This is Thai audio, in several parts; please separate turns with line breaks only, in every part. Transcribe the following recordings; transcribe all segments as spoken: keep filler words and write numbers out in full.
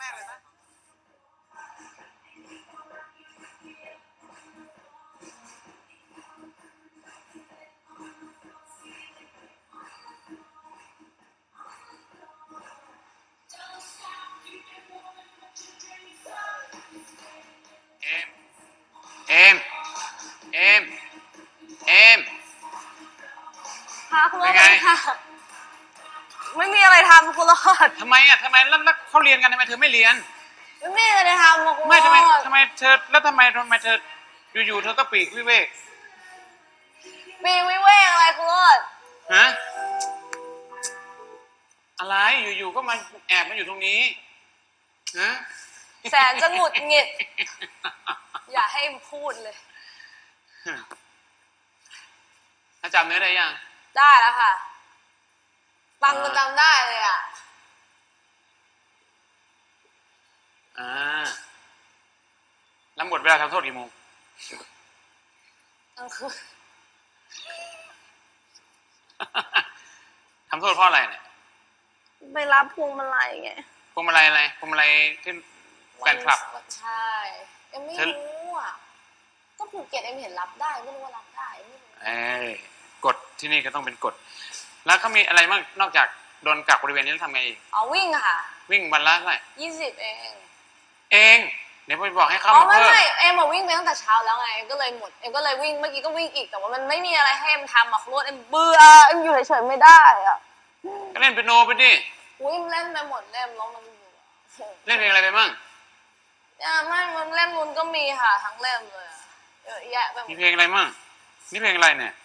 รกเลยนะเอมเอมเอมเอม
ค่ะคุณรอดค่ะไม่มีอะไรทำคุณรอด
ทำไมอ่ะทำไมแล้วเขาเรียนกันทำไมเธอไม่เรียน
ไม่มีอะไรทำ
ไม่ทำไมทำไมเธอแล้วทำไมทำไมเธออยู่ๆเธอก็ปีกวิเวก
ปีกวิเวกอะไรคุณรอด
ฮะอะไรอยู่ๆก็มาแอบมาอยู่ตรงนี้ฮะ
แสนจะหงุดหงิดอย่าให้พูดเลย
จำเนื้อได้ยัง
ได้แล้วค่ะฟังมันจำได้เลยอ่ะ
อ่าแล้วหมดเวลาทำโทษกี่โมง
กลางคืน
ทำโทษเพราะอะไรเนี่ย
ไปรับพวงมาลัยไง
พวงมาลัยอะไรพวงมาลัยที่แฟนคลับ
ใช่เอ็มไม่รู้อ่ะก็ภูเก็ตเอ็มเห็นรับได้ไม่รู้ว่ารับได้ไม่รู้
เอ้ยกฎที่นี่ก็ต้องเป็นกฎแล้วเขามีอะไรบ้างนอกจากโดนกักบริเวณนี้แล้วทำไงอีก
อ๋อวิ่งค่ะ
วิ่งวันละเท่าไหร่
ยี่สิบเอง
เองเดี๋ยวไปบอกให้เข้า
มา
เพิ่ม
ไม่ไม่เอ็มวิ่งไปตั้งแต่เช้าแล้วไงก็เลยหมดเอ็มก็เลยวิ่งเมื่อกี้ก็วิ่งอีกแต่ว่ามันไม่มีอะไรให้เอ็มทำอ่ะคุณรถเอ็มเบื่อเอ็มอยู่เฉยๆไม่ได้อ่ะ
ก็เล่นเปียโนไปดิ
วิ่งเล่นไปหมดเล่มแล้วมัน
เล่นเพลงอะไรไปมั่ง
อ่าไม่มันเล่มนู้นก็มีค่ะทั้งเล่มเลยเยอะแยะไปหมด
มีเพลงอะไรมั่งนี่เพลงอะไรเนี่ย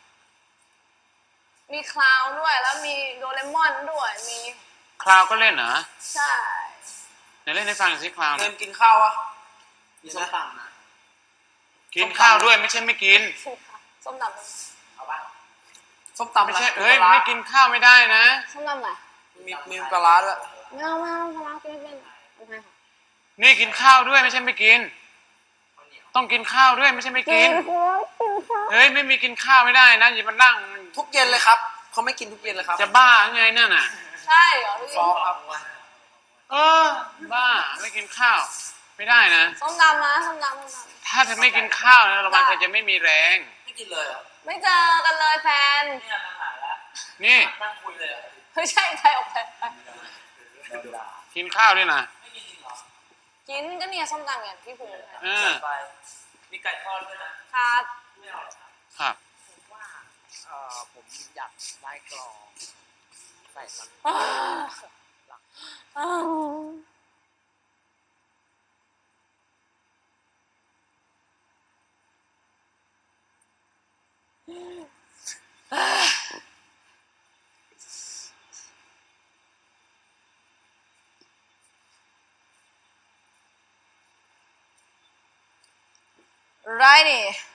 มีคลาวด้วยแล้วมีโดเรมอนด้วยมี
คลาวก็เล่นเหรอ
ใช่
ไหนเล่นให้ฟังสิคลาว
เล่นกินข้าวอ่ะมีส้มตำนะ
กินข้าวด้วยไม่ใช่ไม่กิน
ส้มตำ
เอาปะส้มตำ
ไม่ใช่เฮ้ยไม่กินข้าวไม่ได้นะ
ส้มตำไหน
มีมีปลาร้าด้วย
ไม่เอาไม่เอาปลาร้ากินไม่เป็นโอเคค่ะ
นี่กินข้าวด้วยไม่ใช่ไม่กินต้องกินข้าวด้วยไม่ใช่ไม่กินเฮ้ยไม่มีกินข้าวไม่ได้นะอย่ามานั่ง
ทุกเย็นเลยครับเขาไม่กินทุกเย็นเลยครับ
จะบ้าไงนั่นน่ะ
ใช่เหรอทุกเย็น
ฟ้องครับ
เออบ้าไม่กินข้าวไม่ได้นะ
ส้มตำนะส้มตำส้มตำ
ถ้าเธอไม่กินข้าวนะระวังเธอจะไม่มีแรง
ไม่กินเลยเหรอ
ไม่เจอกันเลยแฟน
เนี่ยมาหาแล้ว
นี่
นั่งคุยเลย
ไม่ใช่ใครออกไป
กินข้าวด้วยนะ
ไม่กินจริงเหรอ
กินก็เนี่ยส้มตำอย่างที่พูด
เออ
มีไก่ทอดด้วยนะครับไม่เอา
ครับ
ผมว่าเออผมอยากได้กรองใส่มัน
ไรนี่